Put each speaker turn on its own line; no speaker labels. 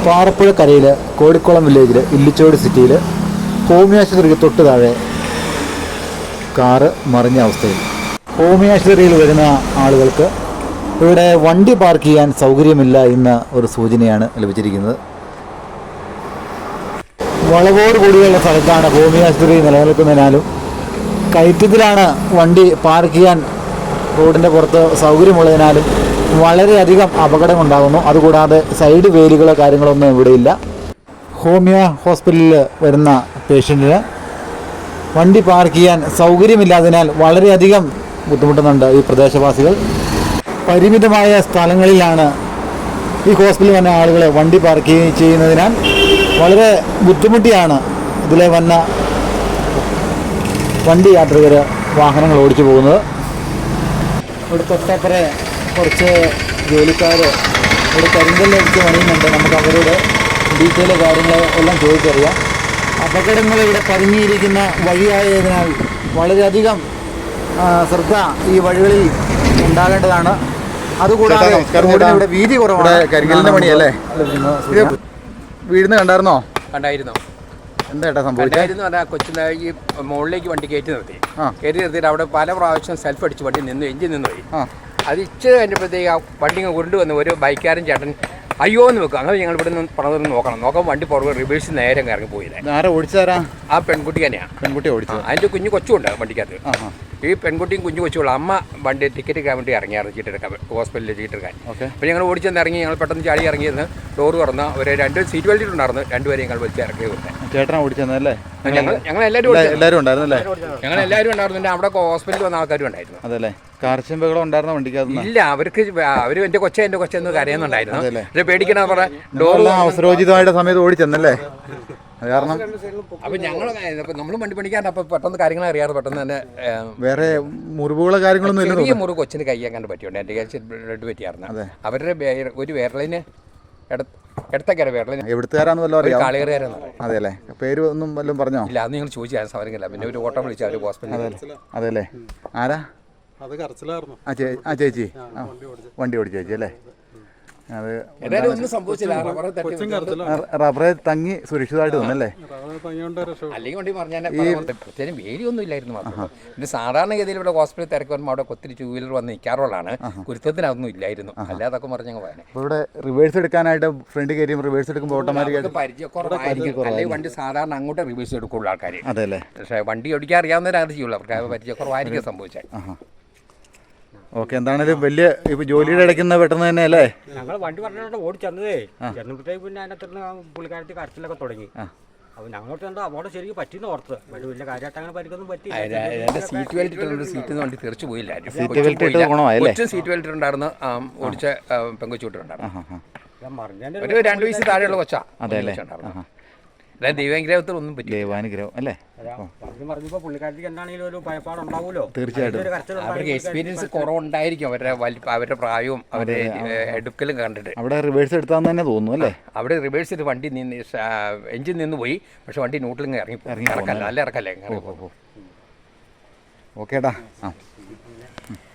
പാറപ്പുഴക്കരയിൽ കോടിക്കുളം വില്ലേജിൽ ഇല്ലിച്ചോട് സിറ്റിയിൽ ഹോമിയോ ആശുപത്രിക്ക് തൊട്ട് താഴെ കാറ് മറിഞ്ഞ അവസ്ഥയിൽ. ഹോമിയോ ആശുപത്രിയിൽ വരുന്ന ആളുകൾക്ക് ഇവിടെ വണ്ടി പാർക്ക് ചെയ്യാൻ സൗകര്യമില്ല എന്ന ഒരു സൂചനയാണ് ലഭിച്ചിരിക്കുന്നത്. വളവോട് കൂടിയുള്ള സ്ഥലത്താണ് ഹോമിയോ ആശുപത്രി നിലനിൽക്കുന്നതിനാലും കയറ്റത്തിലാണ് വണ്ടി പാർക്ക് ചെയ്യാൻ റോഡിൻ്റെ പുറത്ത് സൗകര്യമുള്ളതിനാലും വളരെയധികം അപകടമുണ്ടാകുന്നു. അതുകൂടാതെ സൈഡ് വേലികളോ കാര്യങ്ങളൊന്നും ഇവിടെയില്ല. ഹോമിയോ ഹോസ്പിറ്റലിൽ വരുന്ന പേഷ്യൻറ്റിന് വണ്ടി പാർക്ക് ചെയ്യാൻ സൗകര്യമില്ലാത്തതിനാൽ വളരെയധികം ബുദ്ധിമുട്ടുന്നുണ്ട് ഈ പ്രദേശവാസികൾ. പരിമിതമായ സ്ഥലങ്ങളിലാണ് ഈ ഹോസ്പിറ്റലിൽ വന്ന ആളുകൾ വണ്ടി പാർക്ക് ചെയ്യുന്നതിനാൽ വളരെ ബുദ്ധിമുട്ടിയാണ് ഇതിലെ വന്ന വണ്ടി യാത്രികർ വാഹനങ്ങൾ ഓടിച്ചു പോകുന്നത്. ഇവിടെ തൊട്ടപ്പുറേ കുറച്ച് ജോലിക്കാർ ഇവിടെ കരിങ്കല്ലടിച്ച് പണിയുന്നുണ്ട്. നമുക്ക് അവരോട് ഡീറ്റെയിൽ കാര്യങ്ങൾ എല്ലാം ചോദിച്ചറിയാം. അപകടങ്ങൾ ഇവിടെ പതുങ്ങിയിരിക്കുന്ന വഴിയായതിനാൽ വളരെയധികം ശ്രദ്ധ ഈ വഴികളിൽ ഉണ്ടാകേണ്ടതാണ്. അതുകൂടാതെ ഇവിടെ വീതി കുറവാണ്.
കരിങ്കലിന്റെ പണിയല്ലേ? വീടിന് കണ്ടായിരുന്നോ?
കണ്ടായിരുന്നു.
എന്താ സംഭവിച്ചായിരുന്നു?
അതാ കൊച്ചിൻ്റെ ഈ മുകളിലേക്ക് വണ്ടി കയറ്റി നിർത്തിയിട്ട് അവിടെ പല പ്രാവശ്യം സെൽഫ് അടിച്ച് വണ്ടി എഞ്ചിൻ നിന്ന് പോയി. അത് ഇച്ചിരി കഴിഞ്ഞപ്പോഴത്തേക്ക് ആ വണ്ടി കൊണ്ടുവന്ന് ഒരു ബൈക്കാരൻ ചേട്ടൻ അയ്യോ എന്ന് വെക്കും. അങ്ങനെ ഞങ്ങൾ ഇവിടെ നിന്ന് പണതൊന്ന് നോക്കാം വണ്ടി പുറകെ റിവേഴ്സ് നേരെ ഇറങ്ങി പോയില്ലേ.
ആരാ ഓടിച്ചാരാ?
ആ പെൺകുട്ടി തന്നെയാണ്.
പെൺകുട്ടി ഓടിച്ചു.
അതിൻ്റെ കുഞ്ഞു കൊച്ചുണ്ട് വണ്ടിക്കകത്ത്. ഈ പെൺകുട്ടിയും കുഞ്ഞു കൊച്ചുള്ള അമ്മ വണ്ടി ടിക്കറ്റ് എടുക്കാൻ വേണ്ടി ഇറങ്ങിയായിരുന്നു, ചീട്ടെടുക്കാൻ ഹോസ്പിറ്റലിൽ ചീട്ടെടുക്കാൻ. അപ്പോൾ ഞങ്ങൾ ഓടിച്ചെന്ന് ഇറങ്ങി. ഞങ്ങൾ പെട്ടെന്ന് ചാടി ഇറങ്ങിയിരുന്ന് ഡോറ് തുറന്ന് ഒരു 2 സീറ്റ് ബെൽറ്റ് ഉണ്ടായിരുന്നു. 2 പേരെ ഞങ്ങൾ വലിച്ച് ഇറക്കി വിട്ടേ.
ചേട്ടനാ ഓടിച്ചെന്നല്ലേ?
ഞങ്ങൾ എല്ലാവരും
ഉണ്ടായിരുന്നല്ലേ?
ഞങ്ങൾ എല്ലാവരും ഉണ്ടായിരുന്നു. അവിടെ ഹോസ്പിറ്റലിൽ വന്ന ആൾക്കാരും ഉണ്ടായിരുന്നു.
അതല്ലേ? കാർച്ചമ്പകളും ഉണ്ടായിരുന്ന വണ്ടിക്കകത്ത്?
ഇല്ല, അവർ എൻ്റെ കൊച്ചെന്ന് കരയുന്നുണ്ടായിരുന്നു. പക്ഷേ പേടിക്കണ പറയാം ഡോർ
അവസരോചിതമായിട്ട് സമയത്ത് ഓടിച്ചെന്നല്ലേ? കാരണം
അപ്പം നമ്മൾ വണ്ടി പണിക്കാൻ അപ്പം പെട്ടെന്ന് കാര്യങ്ങൾ അറിയാതെ പെട്ടെന്ന് തന്നെ
വേറെ മുറിവുകളോ കാര്യങ്ങളൊന്നും ഇല്ല.
ചെറിയ മുറിവ് കൊച്ചിന് കയ്യാൻ കണ്ട് പറ്റിയുണ്ട്. എൻ്റെ ബ്ലഡ് പറ്റിയായിരുന്നു. അവരുടെ ഒരു വിരലിന് എടുത്തക്കര വിരലിന്.
എവിടുത്തുകാരാന്ന് വല്ലതും അറിയാം?
കാളികറിയാരെന്ന്.
അതെ അല്ലേ? പേര് ഒന്നും വല്ലതും പറഞ്ഞോ?
ഇല്ല, അന്ന് നിങ്ങൾ ചോദിച്ചാൽ സൗകര്യമില്ല. പിന്നെ ഒരു ഓട്ടം വിളിച്ചാൽ ഒരു ഹോസ്പിറ്റലിൽ.
അതെല്ലേ? ആരാ?
അത് കരച്ചിലായിരുന്നു.
ആ ചേച്ചി വണ്ടി ഓടിച്ച ചേച്ചി അല്ലേ? അത്
ഒന്നും സംഭവിച്ചില്ല.
റബ്ബറെ തങ്ങി സുരക്ഷിതമായിട്ട് വന്നല്ലേ?
അല്ലെങ്കിൽ വണ്ടി പറഞ്ഞാൽ പ്രത്യേകം വേലിയൊന്നും ഇല്ലായിരുന്നു. പിന്നെ സാധാരണഗതിയിൽ ഇവിടെ ഹോസ്പിറ്റലിൽ തിരക്ക് വരുമ്പോൾ അവിടെ ഒത്തിരി 2 വീലർ വന്ന് നിൽക്കാറുള്ളതാണ്. കുരുത്തത്തിനൊന്നും ഇല്ലായിരുന്നു. അല്ലാതൊക്കെ പറഞ്ഞങ്ങ് പോയാൽ
ഇവിടെ റിവേഴ്സ് എടുക്കാനായിട്ട് ഫ്രണ്ട് കയറിയും റിവേഴ്സ് എടുക്കുമ്പോൾ ഓട്ടോമാറ്റിക്കായിട്ട്
പരിചയക്കുറവായിരിക്കും. അല്ലെങ്കിൽ വണ്ടി സാധാരണ അങ്ങോട്ട് റിവേഴ്സ് എടുക്കുള്ള ആൾക്കാർ.
അതെല്ലേ? പക്ഷേ
വണ്ടി ഓടിക്കാൻ അറിയാവുന്നവരത് ചെയ്യുള്ളൂ. അവർക്ക് പരിചയക്കുറവായിരിക്കും സംഭവിച്ചാൽ.
ഓക്കെ, എന്താണേലും വലിയ ഇപ്പൊ ജോലിയുടെ ഇടയ്ക്കുന്ന പെട്ടെന്ന് തന്നെ അല്ലേ?
ഞങ്ങൾ വണ്ടി പറഞ്ഞിട്ട് ഓടിച്ചെന്നതേ ചെന്നപ്പോഴത്തേക്ക് പിന്നെ അതിനകത്ത് പുള്ളിക്കാരത്തി കരച്ചിലൊക്കെ തുടങ്ങി. അപ്പോൾ ഞങ്ങളോട്ട് എന്താ അവിടെ ശരിക്കും പറ്റിയെന്ന് ഓർത്ത്. വലിയ കാര്യമായിട്ട് അങ്ങനെ പരിക്കൊന്നും പറ്റി.
സീറ്റ് ബെൽറ്റ് സീറ്റിൽ നിന്ന് വണ്ടി തെറിച്ചു പോയില്ല.
സീറ്റ്
ബെൽറ്റ് ഉണ്ടായിരുന്നു. ഓടിച്ച പെങ്കൊച്ചുണ്ടായിരുന്നു. 2 വയസ്സ് താഴെയുള്ള കൊച്ചാ.
അതെല്ലേ?
ദൈവാനുഗ്രഹത്തിൽ ഒന്നും പറ്റി.
ദൈവാനുഗ്രഹം അല്ലേ?
പറഞ്ഞപ്പോൾ പുള്ളിക്കാരത്തിക്ക് എന്താണെങ്കിലും ഒരു ഭയപ്പാടുണ്ടാവുമല്ലോ.
തീർച്ചയായിട്ടും
അവർക്ക് എക്സ്പീരിയൻസ് കുറവുണ്ടായിരിക്കും. അവരുടെ പ്രായവും അവരുടെ എടുക്കലും കണ്ടിട്ട്.
അവിടെ റിവേഴ്സ് എടുത്താന്ന് തന്നെ തോന്നുന്നു അല്ലേ?
അവിടെ റിവേഴ്സ് ചെയ്ത് വണ്ടി എഞ്ചിൻ നിന്ന് പോയി. പക്ഷെ വണ്ടി ന്യൂട്രലിങ് ഇറങ്ങി നല്ല ഇറക്കല്ലേ.
ഓക്കേടാ.